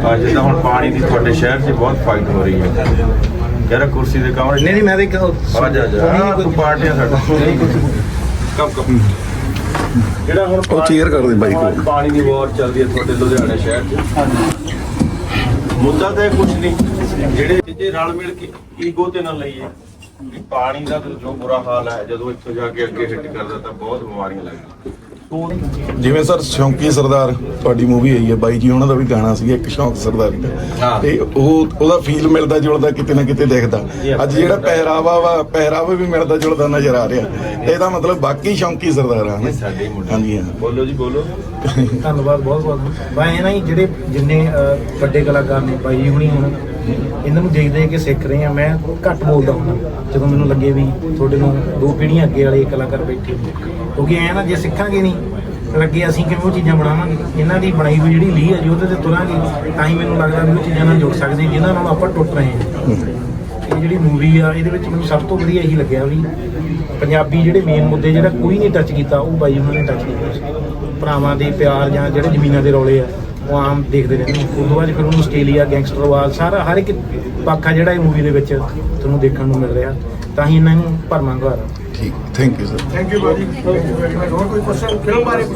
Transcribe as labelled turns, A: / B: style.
A: ਜਿੱਦਾਂ ਹੁਣ ਪਾਣੀ ਦੀ ਤੁਹਾਡੇ ਸ਼ਹਿਰ 'ਚ ਬਹੁਤ ਫਾਈਟ ਹੋ ਰਹੀ ਹੈ ਯਾਰ ਕੁਰਸੀ ਦੇ ਕਮਰੇ
B: ਨਹੀਂ ਮੈਂ ਦੇਖ
A: ਆ ਜਾ ਕੋਈ ਪਾਰਟੀਆਂ ਸਾਡਾ ਕਮ ਜਿਹੜਾ ਹੁਣ
C: ਉਹ ਚੇਅਰ ਕਰਦੇ ਬਾਈ ਕੋਲ
A: ਪਾਣੀ ਦੀ ਵਾਰ ਚੱਲਦੀ ਹੈ ਤੁਹਾਡੇ ਲੁਧਿਆਣਾ ਸ਼ਹਿਰ 'ਚ ਮੁੱਦਾ ਤਾਂ ਕੁਝ ਨਹੀਂ ਜਿਹੜੇ ਜੇ ਰਲ ਮਿਲ ਕੇ ਈਗੋ ਤੇ ਨਾ ਲਈਏ ਪਾਣੀ ਦਾ ਜੋ ਬੁਰਾ ਹਾਲ ਹੈ ਜਦੋਂ ਇੱਥੋਂ ਜਾ ਕੇ ਅੱਗੇ ਹਿੱਟ ਕਰਦਾ ਤਾਂ ਬਹੁਤ ਬਿਮਾਰੀਆਂ ਲੱਗਦੀਆਂ
C: ਜਿਵੇਂ ਸਰ ਸ਼ੌਂਕੀ ਸਰਦਾਰ ਤੁਹਾਡੀ ਮੂਵੀ ਆਈ ਹੈ ਬਾਈ ਜੀ ਉਹਨਾਂ ਦਾ ਵੀ ਗਾਣਾ ਸੀ ਇੱਕ ਸ਼ੌਂਕ ਸਰਦਾਰ ਦਾ ਤੇ ਉਹਦਾ ਫੀਲ ਮਿਲਦਾ ਜੁਲਦਾ ਕਿਤੇ ਨਾ ਕਿਤੇ ਦਿਖਦਾ ਅੱਜ ਜਿਹੜਾ ਪਹਿਰਾਵਾ ਵੀ ਮਿਲਦਾ ਜੁਲਦਾ ਨਜ਼ਰ ਆ ਰਿਹਾ ਇਹਦਾ ਮਤਲਬ ਬਾਕੀ ਸ਼ੌਂਕੀ ਸਰਦਾਰ ਆ ਹਾਂਜੀ ਹਾਂ
A: ਬੋਲੋ ਜੀ ਬੋਲੋ
B: ਧੰਨਵਾਦ ਬਹੁਤ ਬਹੁਤ ਮੈਂ ਇਹ ਨਾ ਹੀ ਜਿਹੜੇ ਜਿੰਨੇ ਵੱਡੇ ਕਲਾਕਾਰ ਨੇ ਬਾਈ ਹੁਣੀ ਹੁਣ ਇਹਨਾਂ ਨੂੰ ਦੇਖ ਕੇ ਸਿੱਖ ਰਹੇ ਆ ਮੈਂ ਘੱਟ ਬੋਲਦਾ ਹੁੰਦਾ ਜਦੋਂ ਮੈਨੂੰ ਲੱਗੇ ਵੀ ਤੁਹਾਡੇ ਨੂੰ 2 ਪੀੜ੍ਹੀਆਂ ਅੱਗੇ ਵਾਲੇ ਕਲਾਕਾਰ ਬੈਠੇ ਕਿਉਂਕਿ ਐ ਨਾ ਜੇ ਸਿੱਖਾਂਗੇ ਨਹੀਂ ਅੱਗੇ ਅਸੀਂ ਕਿਵੇਂ ਉਹ ਚੀਜ਼ਾਂ ਬਣਾਵਾਂਗੇ ਇਹਨਾਂ ਦੀ ਬਣਾਈ ਹੋਈ ਜਿਹੜੀ ਲੀਹ ਹੈ ਜੀ ਉਹਦੇ ਤੇ ਤੁਰਾਂਗੇ ਤਾਂ ਹੀ ਮੈਨੂੰ ਲੱਗਦਾ ਵੀ ਉਹ ਚੀਜ਼ਾਂ ਨਾਲ ਜੁੜ ਸਕਦੇ ਜਿਨ੍ਹਾਂ ਨਾਲ ਆਪਾਂ ਟੁੱਟ ਰਹੇ ਹਾਂ ਇਹ ਜਿਹੜੀ ਮੂਵੀ ਆ ਇਹਦੇ ਵਿੱਚ ਮੈਨੂੰ ਸਭ ਤੋਂ ਵਧੀਆ ਇਹੀ ਲੱਗਿਆ ਵੀ ਪੰਜਾਬੀ ਜਿਹੜੇ ਮੇਨ ਮੁੱਦੇ ਜਿਹੜਾ ਕੋਈ ਨਹੀਂ ਟੱਚ ਕੀਤਾ ਉਹ ਬਾਈ ਉਹਨਾਂ ਨੇ ਟੱਚ ਕੀਤਾ ਭਰਾਵਾਂ ਦੇ ਪਿਆਰ ਜਾਂ ਜਿਹੜੇ ਜ਼ਮੀਨਾਂ ਦੇ ਰੌਲੇ ਆ ਉਹ ਆਮ ਦੇਖਦੇ ਰਹਿੰਦੇ ਉਸ ਤੋਂ ਬਾਅਦ ਫਿਰ ਉਹਨੂੰ ਆਸਟ੍ਰੇਲੀਆ ਗੈਂਗਸਟਰਵਾਦ ਸਾਰਾ ਹਰ ਇੱਕ ਪੱਖ ਆ ਜਿਹੜਾ ਇਹ ਮੂਵੀ ਦੇ ਵਿੱਚ ਤੁਹਾਨੂੰ ਦੇਖਣ ਨੂੰ ਮਿਲ ਰਿਹਾ ਤਾਂ ਹੀ ਇਹਨਾਂ ਨੂੰ ਭਰਮਾਂ ਘਰ
C: ਠੀਕ thank you sir
B: thank you ਬਾਜੀ ਹੋਰ ਕੋਈ ਕੁਐਸਚਨ ਫਿਲਮ ਬਾਰੇ